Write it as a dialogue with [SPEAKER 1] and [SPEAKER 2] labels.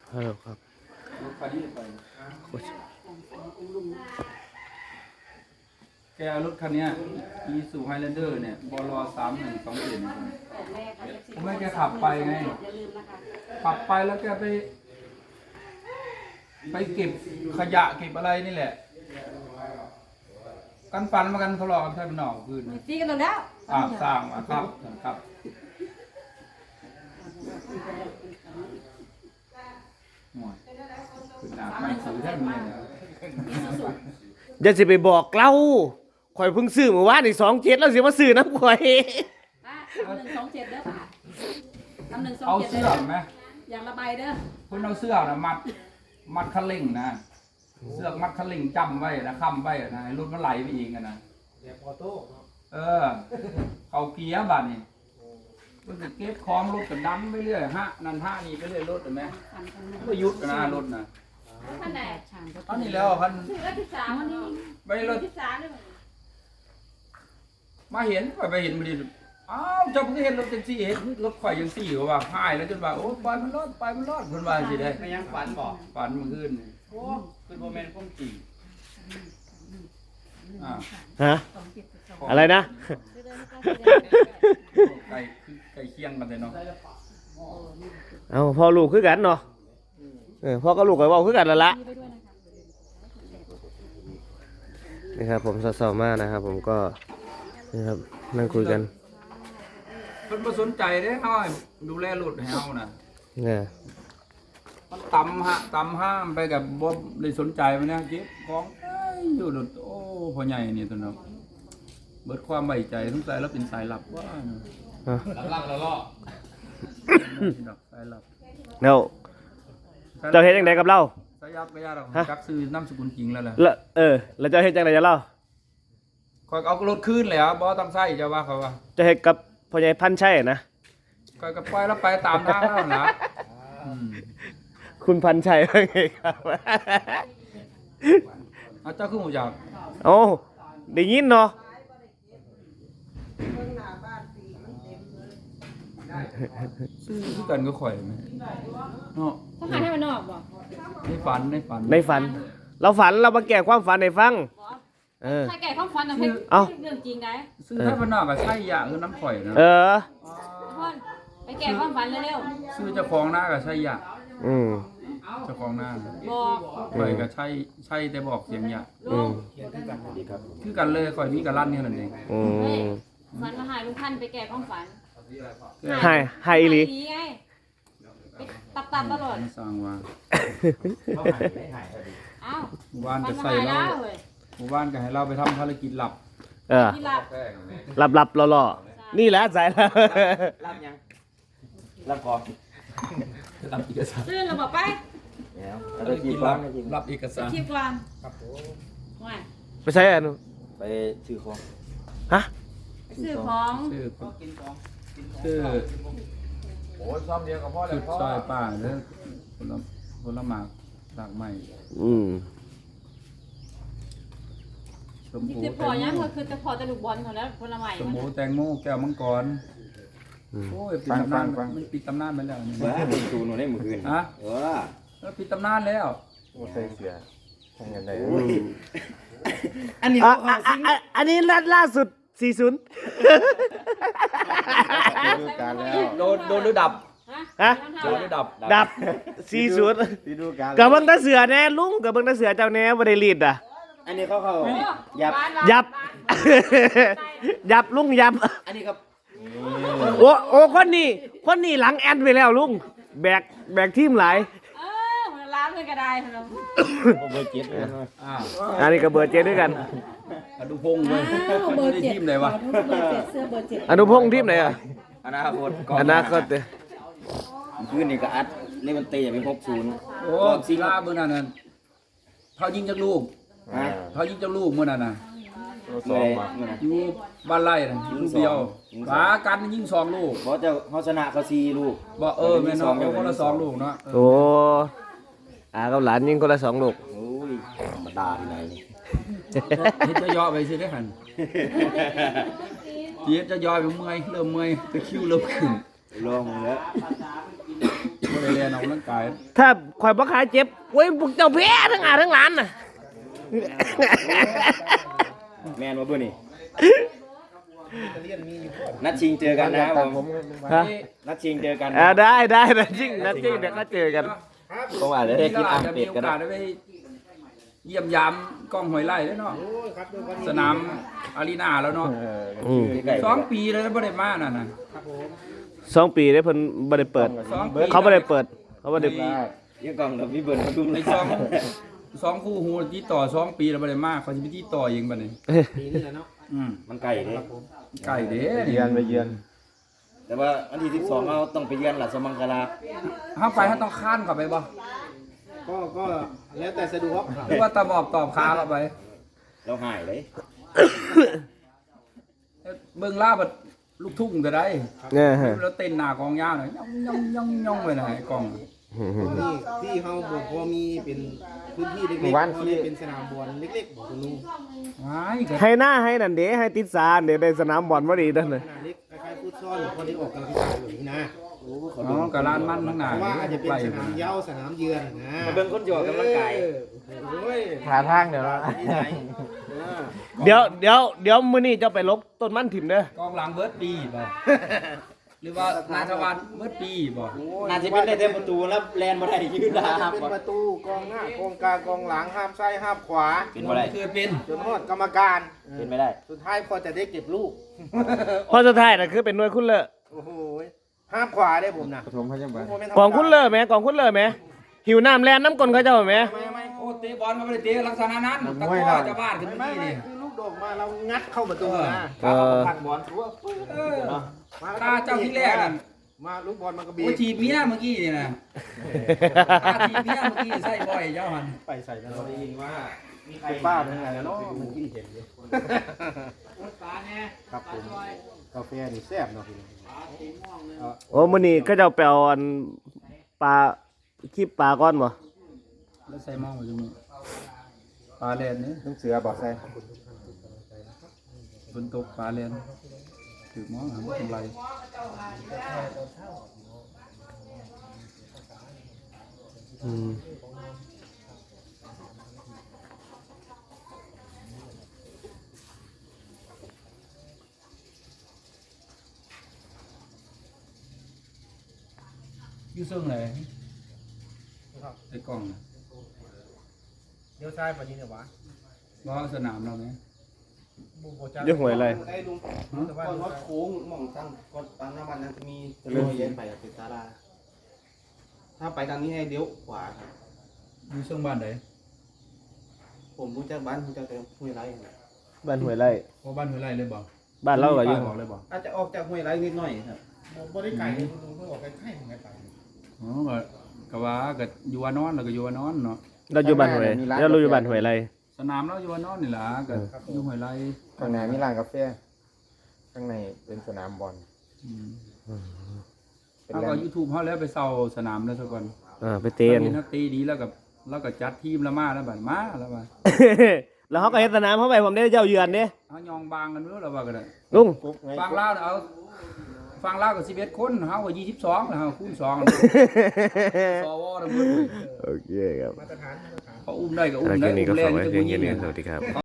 [SPEAKER 1] ฮัลโหลครับ
[SPEAKER 2] รถคันนี้ไปแกรถคันนี้อีซูไฮแลนเดอร์เนี่ยบล3127เนี่ยผมให้แกขับไปไงขับไปแล้วแกไปเก็บขยะเก็บอะไรนี่แหละกันฟันมากันทะเลาะกันใช่ไหมหนอกคืน
[SPEAKER 3] ตีกันแล้ว
[SPEAKER 2] สร้างมาครับครับหมดคือหนาไม่ซื้อแท่นี้นะ
[SPEAKER 1] อย่าสิไปบอกเล่าข่อยเพิ่งซื้อเมื่อวานนี่27แล้วสิมาซื้อน้ำข่อย
[SPEAKER 3] 127เด้อป่ะทำ127
[SPEAKER 2] เอาเสื้อไหม
[SPEAKER 3] อย่างละใบเด้อ
[SPEAKER 2] คุณเอาเสื้อนะมัดคันเร่งนะเสื้อมัดคันเร่งจำไว้นะค้ำไว้นะให้รถมันไหลไปเองกันนะเขาเกียร์บัดนี่มันจะเก็บของรถกันดันไปเรื่อยฮะนั่นฮะนี่ไปเรื่อยรถเห็นไหมก็ยุดนะรถนะ
[SPEAKER 3] ท่านไหน
[SPEAKER 2] ตอนนี้แล้วพัน
[SPEAKER 3] 13วันนี้
[SPEAKER 2] ไปรถ
[SPEAKER 3] 13เลย
[SPEAKER 2] มาเห็นไปเห็นมันดีอ้าวเจ้าเพิ่งเห็นรถแท็กซี่เห็นรถไฟยังซี่เขาว่าหายแล้วจนว่าโอ้ปล่อยมันรอดคนว่าสิได้
[SPEAKER 4] ไม่ยังฝันบอก
[SPEAKER 2] ฝันเมื่อคืน
[SPEAKER 4] โอ้คือโมเมนต์ก้มจริง
[SPEAKER 1] ฮะอะไรนะ
[SPEAKER 2] ไก่เคียงกันเลยเนาะ
[SPEAKER 1] เอาพ่อลูกคือกันเนาะพ่อกับลูกก็เว้าคือกันแล้วละนี่ครับผมสาวๆมากนะครับผมก็นี่ครับนั่งคุยกัน
[SPEAKER 2] เพิ่นบ่สนใจเด้เฮาให้ดูแลรถให้เฮาน่ะ
[SPEAKER 1] เนี่ย
[SPEAKER 2] มันตำห้ามไปกับบ่ได้สนใจมันนะเก็บของอยู่รถโอ้พ่อใหญ่นี่ตัวเนาะเบิดความไว้ใจสงสัยแล้วเป็นสายลับว่าเนาะ
[SPEAKER 4] ลับแล้วล่อ
[SPEAKER 2] สายลับ
[SPEAKER 1] เนาเจ้าเฮ็ดจังไดกับเรา
[SPEAKER 2] สายลับก็ยากดอกจักซื้อนามสกุลจริงแล้วล่ะ
[SPEAKER 1] แล้วแล้วเจ้าเฮ็ดจังไดกับเรา
[SPEAKER 2] ข่อยเอารถคืนแล้วบ่ต้องใช้เจ้าว่าเขาว่า
[SPEAKER 1] เจ้าเฮ็ดกับพ่อใหญ่พันชัยนะ
[SPEAKER 2] ข่อยก็ปล่อยแล้วไปตามทางแล้วนะอืม
[SPEAKER 1] คุณพันชัยว่าไงครับ
[SPEAKER 2] เอาเจ้าคือหมู่อยาก
[SPEAKER 1] โอ้ได้ยินเนาะ
[SPEAKER 2] ซื้อคือกันก็ข่อยแม่เนาะ
[SPEAKER 3] เขาหาให้มันนอกบ่
[SPEAKER 2] ในฝัน
[SPEAKER 1] ในฝัน เราฝันเรามาแก้ความฝันให้ฟัง
[SPEAKER 3] ถ้าแก่ข้องฟันน่ะเฮ็ดเรื่องจริงได้
[SPEAKER 2] ซื้อถ้ามันนอกก็ใช่ยาคือน้ำข่อยนะ
[SPEAKER 3] พ่นไปแก่ความฝันเร็ว
[SPEAKER 2] ซื้อเจ้าของหน้าก็ใช่ยา
[SPEAKER 3] ๆ
[SPEAKER 2] เจ้าของหน้า
[SPEAKER 3] บอก
[SPEAKER 2] ข่อยก็ใช่แต่บอกเสียงยา
[SPEAKER 3] ลูก
[SPEAKER 2] คือกันเลยข่อยมีกับลั่นนี่นั่นเอง
[SPEAKER 3] ฝันมาหาลุงพันไปแก่ความฝัน
[SPEAKER 1] ให้อีหลี
[SPEAKER 3] ไงตับตลอด
[SPEAKER 2] สร้างว่า
[SPEAKER 3] อ้าว
[SPEAKER 2] หมู่บ้าน
[SPEAKER 3] ฝั
[SPEAKER 2] ก็
[SPEAKER 3] นมา
[SPEAKER 2] ใส่
[SPEAKER 3] หา
[SPEAKER 2] เรา
[SPEAKER 3] แล้วเว้ย
[SPEAKER 2] หมู่บ้านก็ให้เราไปทำภารกิจหลับ
[SPEAKER 3] ที่หลับ
[SPEAKER 1] หลับหล่อๆนี่แหละสายแล้ว
[SPEAKER 4] รับยังรับก่อน
[SPEAKER 2] รับเอกสาร
[SPEAKER 3] ตื่นแล้วบอกไป
[SPEAKER 4] แล้ว
[SPEAKER 2] ภารกิจรับเอกสาร
[SPEAKER 3] คิดก่อนว่า
[SPEAKER 1] ไปใช้อันนู้น
[SPEAKER 4] ไปซื้อของ
[SPEAKER 1] ฮะ
[SPEAKER 3] ซื้อของ
[SPEAKER 2] ชื่อ
[SPEAKER 4] โอ้ยซ้อมเดียวกับพ่อเล
[SPEAKER 2] จุ
[SPEAKER 4] ย
[SPEAKER 2] ด
[SPEAKER 4] พ่อ
[SPEAKER 2] ซอยป่าเด้อผลหมากหลากใหม่ชม
[SPEAKER 3] ที่
[SPEAKER 2] พู
[SPEAKER 3] คือพอยังก็คือจะพอจะลูกบอลเขาแล้วคนละใหม่
[SPEAKER 2] ชมพูแตงโมแก้วมังกรโอ้ยปิดตำนานมันปิดตำนานไปแล้วนี่
[SPEAKER 4] บ้าเป็นตูนได้เมื่อคืน
[SPEAKER 2] ฮะ
[SPEAKER 4] แล้ว
[SPEAKER 2] ปิดตำนานแล้ว
[SPEAKER 4] ใส่เสื้อทำยังไง
[SPEAKER 1] อันนี้ล่าสุด40
[SPEAKER 4] การแล้ว
[SPEAKER 2] โดนหรือดับ
[SPEAKER 1] ฮะ
[SPEAKER 2] โดนหรือดับ
[SPEAKER 1] ดับ40
[SPEAKER 4] ที่ดูการ
[SPEAKER 1] กับเบิ่งตาเสือแน่ลุงกับเบิ่งตาเสือเจ้าแน่บ่ได้รีดอ่ะ
[SPEAKER 4] อันนี้เขายับ
[SPEAKER 1] ยับ ยับลุงยับ
[SPEAKER 4] อันนี้ครับ
[SPEAKER 1] โอ้คนนี้หลังแอนไปแล้วลุงแบกทีมหลาย
[SPEAKER 3] ร้านเลยก็ได้เรา
[SPEAKER 4] เบอร์7เลย
[SPEAKER 1] อันนี้ก็เบอร์7ด้วยกัน
[SPEAKER 2] อนุพงศ์เว้ยเบอร์7ทีมไหนวะ
[SPEAKER 3] เบอร์7เสื้อเบอร์7
[SPEAKER 1] อนุพงษ์ทีมไหนอ่ะ
[SPEAKER 4] อนาคต
[SPEAKER 1] อนาคตเด้อ
[SPEAKER 4] คืนนี้ก็อัดเลวันเตะเป็น60
[SPEAKER 2] โอ้ศิลาเมื่อนั้นน่ะเขายิงจากลูกเขายิงจากลูกเมื่อนั้นน่ะ
[SPEAKER 4] สองมา
[SPEAKER 2] อยู่บ้านไร่น่ะลูกเดียวฝากันยิง2ลูก
[SPEAKER 4] เพราะจะเขาชนะเขา4ลูก
[SPEAKER 2] บอกแม่น้องคนละ2ลูกเนาะ
[SPEAKER 1] โอ้กับหลานยิงคนละ2ลูก
[SPEAKER 4] โอ้ยธรรมดาที่ไหนนี่
[SPEAKER 2] เฮ็ดจะย่อไปสิได้หั่นเฮ็ดจะย่อไปเมื่อยเริ่มเมื่อยตะคริวเริ่มขึ้น
[SPEAKER 4] ลองมึงแล้ว
[SPEAKER 2] บบ่ได้เรียนออกกำลังกาย
[SPEAKER 1] ถ้าข่อยบ่ขายเจ็บโอ้ยพวกเจ้าแพ้ทั้งอาทั้งหลานน่ะ
[SPEAKER 4] แมนว่าเบื่อนี่นัดชิงเจอกันนะครับผม
[SPEAKER 1] ฮะ
[SPEAKER 4] นัดชิงเจอกัน
[SPEAKER 1] ได้นะจริงเดี๋ยวก็เจอกัน
[SPEAKER 4] ผมอาจจะได้คิด
[SPEAKER 2] เรา
[SPEAKER 4] อ่า
[SPEAKER 2] อาน จจะ
[SPEAKER 4] เป็
[SPEAKER 2] มี
[SPEAKER 4] ด
[SPEAKER 2] โอ
[SPEAKER 4] ก็ได้
[SPEAKER 2] กาสได้ไปเยี่ยมยามกล้องหอยไร่ด้วยเนาะสนามอารีนาแล้วเนาะ
[SPEAKER 4] ใกล้ๆ
[SPEAKER 2] 2 ปีแล้วบ่ได้มาน่ะนะ
[SPEAKER 1] 2 ปีได้เพิ่นบ่ได้เปิด
[SPEAKER 2] 2 ปี
[SPEAKER 1] เขาบ่ได้เปิดเขาบ่ได้
[SPEAKER 4] ยังกล่องกับพี่เบิร์นมาทุ่ม
[SPEAKER 2] ใน2คู่หูที่ต่อ2 ปีแล้วบ่ได้มาเขาสิไปที่ต่อเองบัดนี้
[SPEAKER 5] ปีนี้แหละเนาะ
[SPEAKER 4] มันไก่เด้
[SPEAKER 2] ไก่เด้
[SPEAKER 6] เยือนไปเยือน
[SPEAKER 4] แต่ว่าวันที่12เราต้องไปเยือนหลัดสมังคลา
[SPEAKER 2] เฮาไปเฮาต้องค้านเข้าไปบ่
[SPEAKER 5] ก็แล้วแต่สะดวกครับ
[SPEAKER 2] หรือว่าตะบอบตอบขาเข้าไป
[SPEAKER 4] เราหายเลย
[SPEAKER 2] เบิ่งลาบัดลูกทุ่งก็ได้
[SPEAKER 1] เนี่ยฮะ
[SPEAKER 2] แล้วเต้นหน้ากองยาวหน่อยย่องไปน่ะไอ้กอง
[SPEAKER 5] นี่ที่เขาบอกว่ามีเป็นพื้นที่เล็กๆเขาเรียกเป็นสนามบอลเล็กๆบอกคุณลุง
[SPEAKER 2] ว้ายก็
[SPEAKER 1] ให้หน้าให้นั่นเด้ให้ติดสารเดี๋ยวได้สนามบอลบ่ดีนั่นน่ะ
[SPEAKER 5] ขนาดเล็กคล้ายๆฟุตซอลหรือคนที่ออกกำลังกายแบบนี้นะ
[SPEAKER 2] อ๋อกับร้านมันทั้งหน้า
[SPEAKER 5] เพราะว่าอาจจะเป็นสนามเหย้าสนามเยือนนะ
[SPEAKER 4] มาเบิ่งคนหยอกกำลังกาย
[SPEAKER 5] โอ้ย
[SPEAKER 6] หาทางเดี๋ยวละ
[SPEAKER 5] ที่ไหน
[SPEAKER 1] เดี๋ยวมื้อนี้เจ้าไปลบต้นมันถิ่มเด้อก
[SPEAKER 2] องหลังเบิร์ดปีบ่หรือว่านายทวันเบิร์ดปีบ่
[SPEAKER 4] น่าจะเป็นได้เต็มประตูแล้วแลนบ่ได้ยืนดาครับ
[SPEAKER 5] เป็นประตูกองหน้ากองกลางกองหลังห้ามซ้ายห้ามขวา
[SPEAKER 4] เป็นบ่ได้
[SPEAKER 2] คือเป็น
[SPEAKER 5] จนฮอดกรรมการ
[SPEAKER 4] เป็นไม่ได้
[SPEAKER 5] สุดท้ายพอจะได้เก็บลูก
[SPEAKER 1] พอสุดท้ายน่ะคือเป็นหน่วยคุณเลอ
[SPEAKER 5] โอ้โหห้ามขวาได้ผมนะ
[SPEAKER 6] ปฐมพยาบาล
[SPEAKER 1] กองคุณเลอแหมกองคุณเลอแหมหิวน้ำแลนน้ำกลนเขาเจ้าแหม
[SPEAKER 5] ไม่
[SPEAKER 2] โอ้เตะบอลมาไม่ได้เตะลักษณะนั้นตะก้อจะบ้านขึ้น
[SPEAKER 5] ไม่
[SPEAKER 2] เมื่อกี้นี่
[SPEAKER 5] คือลูกโด่งมาเรางัดเข้าประตูนะ
[SPEAKER 4] พักบอลทั่วปึ๊บ
[SPEAKER 2] เออตาเจ้าที่แรกนั่น
[SPEAKER 5] มาลูกบอลมันก็บี
[SPEAKER 2] โอ้ทีบเมียเมื่อกี้นี่นะตาทีบเมียเมื่อกี้ใส่บ่อยเจ้าหัน
[SPEAKER 5] ไปใส่กัน
[SPEAKER 4] เราได้ยินว่ามีใคร
[SPEAKER 5] ป้าเป็นไงแล้วเนาะมันกินเห็นอยู่ครับผมกาแฟนี่แซ่บเนาะพี่
[SPEAKER 1] โอ้มื้อนี้เขาเจ้าไปเอาอันปลาคลิปปลาก่อนบ่
[SPEAKER 2] แล้วใส่หม้อมาจังนี้ปลาแลนนี่
[SPEAKER 6] ต้องเสือบอกใส่
[SPEAKER 2] ฝนตกปลาแลนถือหม้อหาทำไร
[SPEAKER 1] อืม
[SPEAKER 2] อยู่ซึ่งเลยไอ้กล้องน่ะ
[SPEAKER 5] เดี๋ยวซ้ายไปนี่เนี่ยวะ
[SPEAKER 2] ว่าสนามเราไหม
[SPEAKER 1] อยู่ห้วยไร
[SPEAKER 5] ไอ้ลุงแต่ว่า
[SPEAKER 6] ก่อนวัดโค้งมองตั้งก่อนตั้งน้ำมันนั้นจะมีตะลุยเย็นไปติดตาลาถ้าไปทางนี้ให้เลี้ยวขวาครับ
[SPEAKER 2] อยู่ซึ่งบ้านไหน
[SPEAKER 6] ผมรู้จักบ้านผมจะเต็มห้วยไร่ครับ
[SPEAKER 1] บ้านห้วยไร
[SPEAKER 2] เพราะบ้านหัวไรเลยบอก
[SPEAKER 1] บ้านเราก็อยู่
[SPEAKER 2] บอกเลยบอก
[SPEAKER 6] อาจจะออกจากห้วยไร่นิดหน่อยครับ
[SPEAKER 5] บริไก่ลุงเพิ่งออกไปไข่ไงไป
[SPEAKER 2] อ๋อก็ว่าก็อยู่ว่านอนแล้วก็อยู่ว่านอนเนาะ
[SPEAKER 1] เราอยู่บ้านห้วยแล้วเราอยู่บ้านห้วยไร
[SPEAKER 2] สนามเราอยู่ว่านอนนี่ล่ะก็อยู่หัวไร
[SPEAKER 6] ข้างในมีร้านกาแฟข้างในเป็นสนามบอล เป็น
[SPEAKER 2] เอา
[SPEAKER 6] แหล่
[SPEAKER 2] ก็
[SPEAKER 6] ง
[SPEAKER 2] ยูทูบเขาแล้วไปเซาสนามแล้วซะก่อน
[SPEAKER 1] ไปเตียน
[SPEAKER 2] มีนักตีดีแล้วก็จัดทีมละมาแล้วบัดมาแล้วบัด
[SPEAKER 1] แล้วเขาก็เฮ็ดสนามเข้าไปผมได้เจ้าเยือนเด้
[SPEAKER 2] เอายองบางกันรู้แล้วว่าก็ได้
[SPEAKER 1] ลุง
[SPEAKER 6] ปุ๊บไง
[SPEAKER 2] ฟังเล่าวน่ะเอาฟังเล่าวก็11คนเฮาก็22แล้วเฮาคูณ2สวทั้งหมดเลย
[SPEAKER 1] โอเคครับ
[SPEAKER 5] มาตรฐาน
[SPEAKER 2] เขาอุ้มได้ก็อุ้
[SPEAKER 1] แล้
[SPEAKER 2] ม
[SPEAKER 1] ว
[SPEAKER 2] ได้
[SPEAKER 1] แค่นี้ก็
[SPEAKER 2] อุ้มแร
[SPEAKER 1] ฝาก
[SPEAKER 2] ง
[SPEAKER 1] ไว้
[SPEAKER 2] จะ
[SPEAKER 1] เพีย
[SPEAKER 2] บ่
[SPEAKER 1] ง
[SPEAKER 2] ยิ
[SPEAKER 1] แค่
[SPEAKER 2] ง
[SPEAKER 1] นี้
[SPEAKER 2] เนี่ย
[SPEAKER 1] สวัสดีครับ